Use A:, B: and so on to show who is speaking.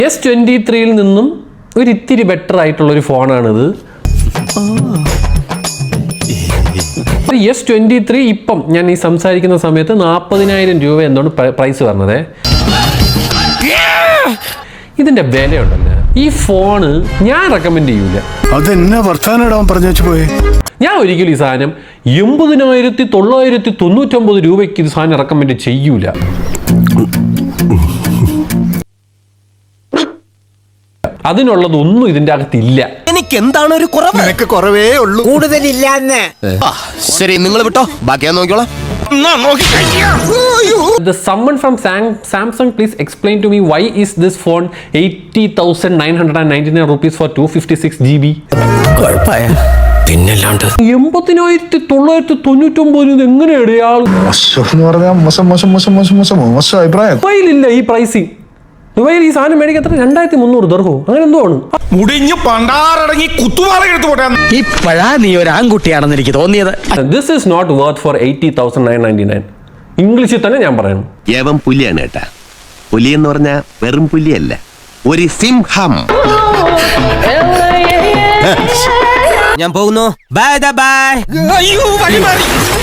A: S23 നിന്നും ഒരു ഇത്തിരി ബെറ്റർ ആയിട്ടുള്ളൊരു ഫോണാണിത്. S23 ഇപ്പം ഞാൻ ഈ സംസാരിക്കുന്ന സമയത്ത് 40,000 രൂപ എന്താണ് പ്രൈസ് പറഞ്ഞത്. ഇതിന്റെ വിലയുണ്ടല്ലോ, ഈ ഫോണ് ഞാൻ റെക്കമെൻഡ് ചെയ്യൂല.
B: അതെന്നെ വർത്താനം പറഞ്ഞു വെച്ച് പോയി.
A: ഞാൻ ഒരിക്കലും ഈ സാധനം 80,999 രൂപയ്ക്ക് ഇത് സാധനം റെക്കമെൻഡ് ചെയ്യൂല. അതിനുള്ളതൊന്നും ഇതിന്റെ അകത്തില്ല.
C: എനിക്ക് എന്താണ് ഒരു കുറവ്?
B: നിനക്ക് കുറവേ ഉള്ളൂ,
C: കൂടുതലില്ല. ശരി, നിങ്ങൾ വിട്ടോ, ബാക്കി ഞാൻ നോക്കിക്കോളാം.
A: Someone from Samsung, please explain to me why is this phone 80,999 rupees for 256 GB?
C: പിന്നല്ലാണ്ട്
A: 80,999 എങ്ങനെയാണ്
B: അഭിപ്രായം?
A: ദുബൈയിലില്ല ഈ പ്രൈസിങ്. ദുബൈയിൽ ഈ സാധനം മേടിക്കാൻ 2,300 ദർഹം അങ്ങനെ എന്തോ ആണ്.
D: മുടിഞ്ഞു പണ്ടാറടങ്ങി കുത്തുവാള എടുത്തു പോട്ടെ.
C: ഇപ്പഴാ നീ ഒരു ആൺകുട്ടിയാണെന്ന് എനിക്ക് തോന്നിയത്.
A: This is not worth for 80,999. ഇംഗ്ലീഷിൽ തന്നെ ഞാൻ പറയണം.
E: ഏവം പുലിയാണ് കേട്ടാ. പുലി എന്ന് പറഞ്ഞാൽ വെറും പുലിയല്ല, ഒരു സിംഹം.
C: ഞാൻ പോകുന്നു. Bye by.